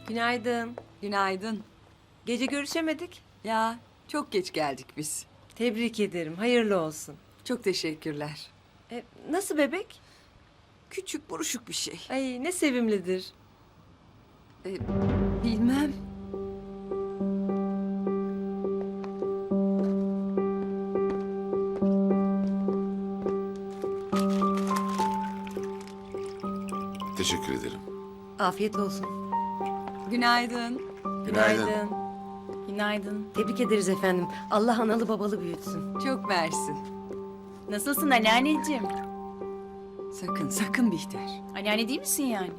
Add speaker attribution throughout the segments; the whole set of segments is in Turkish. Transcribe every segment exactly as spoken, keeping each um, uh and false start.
Speaker 1: Günaydın.
Speaker 2: Günaydın.
Speaker 1: Gece görüşemedik.
Speaker 2: Ya çok geç geldik biz.
Speaker 1: Tebrik ederim. Hayırlı olsun.
Speaker 2: Çok teşekkürler.
Speaker 1: E, nasıl bebek?
Speaker 2: Küçük buruşuk bir şey.
Speaker 1: Ay ne sevimlidir.
Speaker 2: Ee, bilmem.
Speaker 3: Teşekkür ederim.
Speaker 1: Afiyet olsun.
Speaker 2: Günaydın.
Speaker 1: Günaydın.
Speaker 4: Günaydın.
Speaker 1: Tebrik ederiz efendim. Allah analı babalı büyütsün.
Speaker 2: Çok mersi.
Speaker 4: Nasılsın anneanneciğim?
Speaker 2: Sakın sakın Bihter.
Speaker 4: Anneanne değil misin yani?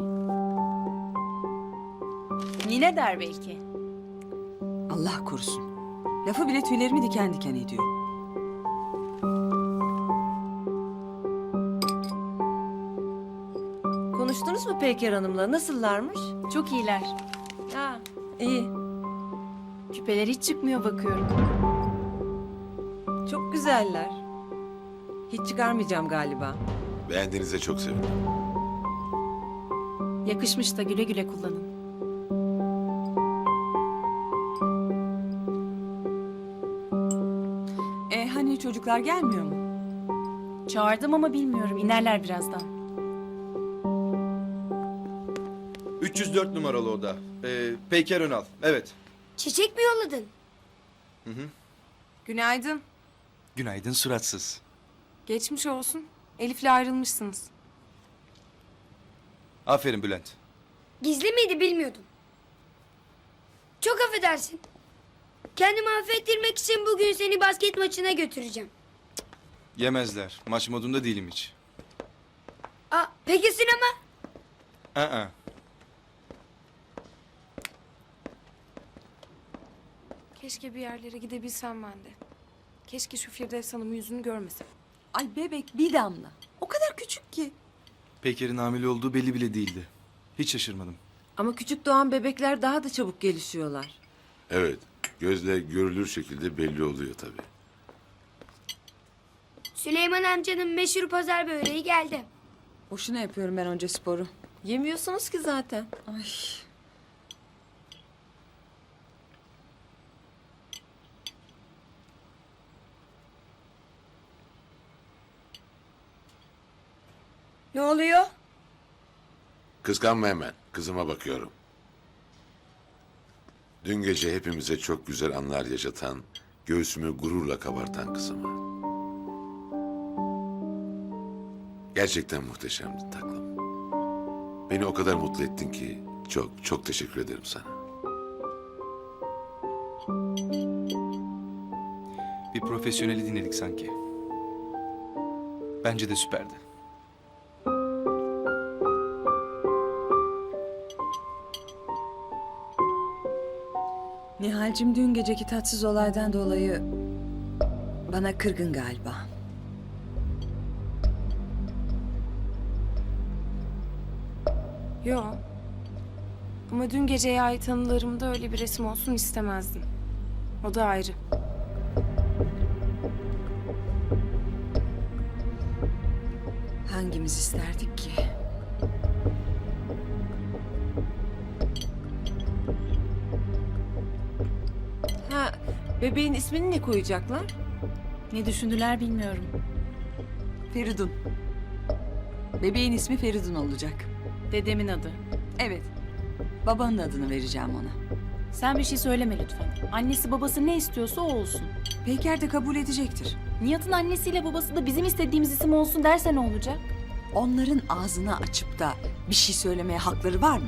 Speaker 4: Nine der belki.
Speaker 2: Allah korusun. Lafı bile tüylerimi diken diken ediyor.
Speaker 1: Konuştunuz mu Peyker Hanım'la? Nasıllarmış?
Speaker 4: Çok iyiler.
Speaker 1: Ya iyi.
Speaker 4: Küpeler hiç çıkmıyor bakıyorum.
Speaker 1: Çok güzeller. Hiç çıkarmayacağım galiba.
Speaker 3: Beğendiğinize çok sevindim.
Speaker 4: Yakışmış da güle güle kullanın.
Speaker 2: E hani çocuklar gelmiyor mu?
Speaker 4: Çağırdım ama bilmiyorum. İnerler birazdan.
Speaker 5: üç yüz dört numaralı oda. Ee, Peyker Önal. Evet.
Speaker 6: Çiçek mi yolladın?
Speaker 7: Günaydın.
Speaker 5: Günaydın suratsız.
Speaker 7: Geçmiş olsun. Elif'le ayrılmışsınız.
Speaker 5: Aferin Bülent.
Speaker 6: Gizli miydi bilmiyordum. Çok affedersin. Kendimi affettirmek için bugün seni basket maçına götüreceğim.
Speaker 5: Yemezler. Maç modunda değilim hiç.
Speaker 6: Aa, peki sinema?
Speaker 5: Aa.
Speaker 7: Keşke bir yerlere gidebilsem ben de. Keşke şu Firdevs Hanım'ın yüzünü görmesem.
Speaker 2: Ay bebek bir damla. O kadar küçük ki.
Speaker 5: Peyker'in hamile olduğu belli bile değildi. Hiç şaşırmadım.
Speaker 1: Ama küçük doğan bebekler daha da çabuk gelişiyorlar.
Speaker 3: Evet, gözle görülür şekilde belli oluyor tabii.
Speaker 6: Süleyman amcanın meşhur pazar böreği geldi.
Speaker 2: Boşuna yapıyorum ben onca sporu.
Speaker 1: Yemiyorsunuz ki zaten.
Speaker 2: Ay.
Speaker 6: Ne oluyor?
Speaker 3: Kıskanma hemen, kızıma bakıyorum. Dün gece hepimize çok güzel anlar yaşatan, göğsümü gururla kabartan kızıma. Gerçekten muhteşemdi taklım. Beni o kadar mutlu ettin ki çok çok teşekkür ederim sana.
Speaker 5: Bir profesyoneli dinledik sanki. Bence de süperdi.
Speaker 2: Nihal'cim dün geceki tatsız olaydan dolayı bana kırgın galiba.
Speaker 7: Yo. Ama dün geceye ait anılarımda öyle bir resim olsun istemezdim. O da ayrı.
Speaker 2: Hangimiz isterdik ki?
Speaker 1: Ha, bebeğin ismini ne koyacaklar?
Speaker 4: Ne düşündüler bilmiyorum.
Speaker 2: Feridun. Bebeğin ismi Feridun olacak.
Speaker 4: Dedemin adı.
Speaker 2: Evet. Babanın adını vereceğim ona.
Speaker 4: Sen bir şey söyleme lütfen. Annesi babası ne istiyorsa o olsun.
Speaker 2: Peyker de kabul edecektir.
Speaker 4: Nihat'ın annesiyle babası da bizim istediğimiz isim olsun derse ne olacak?
Speaker 2: Onların ağzını açıp da bir şey söylemeye hakları var mı?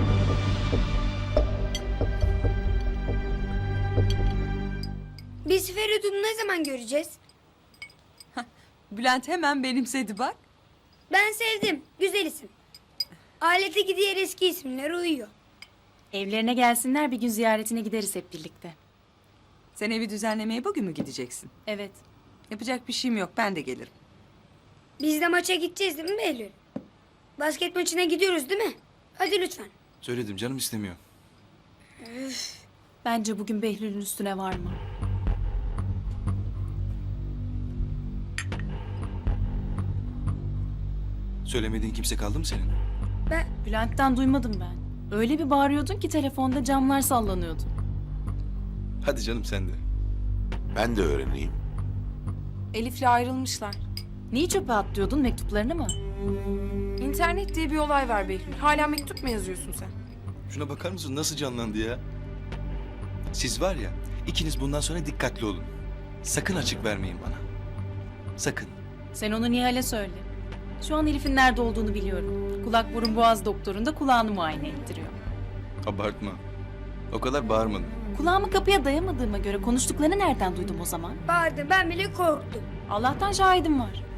Speaker 6: Biz Feridun'u ne zaman göreceğiz?
Speaker 2: Bülent hemen benimsedi bak.
Speaker 6: Ben sevdim. Güzel isim. Aleteki diğer eski isimler uyuyor.
Speaker 4: Evlerine gelsinler bir gün ziyaretine gideriz hep birlikte.
Speaker 2: Sen evi düzenlemeye bugün mü gideceksin?
Speaker 4: Evet.
Speaker 2: Yapacak bir şeyim yok, ben de gelirim.
Speaker 6: Biz de maça gideceğiz değil mi Behlül? Basket maçına gidiyoruz değil mi? Hadi lütfen.
Speaker 5: Söyledim canım istemiyor.
Speaker 4: Bence bugün Behlül'ün üstüne varma.
Speaker 5: Söylemediğin kimse kaldı mı senin?
Speaker 6: Ben
Speaker 4: Bülent'ten duymadım ben. Öyle bir bağırıyordun ki telefonda camlar sallanıyordu.
Speaker 5: Hadi canım sen de.
Speaker 3: Ben de öğreneyim.
Speaker 7: Elif'le ayrılmışlar.
Speaker 4: Niye çöpe atlıyordun, mektuplarını mı?
Speaker 7: İnternet diye bir olay var Behlül. Hala mektup mu yazıyorsun sen?
Speaker 8: Şuna bakar mısın nasıl canlandı ya? Siz var ya, ikiniz bundan sonra dikkatli olun. Sakın açık vermeyin bana. Sakın.
Speaker 4: Sen onu Nihal'e söyle. Şu an Elif'in nerede olduğunu biliyorum. Kulak burun boğaz doktorunda kulağını muayene ettiriyor.
Speaker 8: Abartma. O kadar bağırmadım.
Speaker 4: Kulağımı kapıya dayamadığıma göre konuştuklarını nereden duydum o zaman?
Speaker 6: Bağırdı, ben bile korktum.
Speaker 4: Allah'tan şahidim var.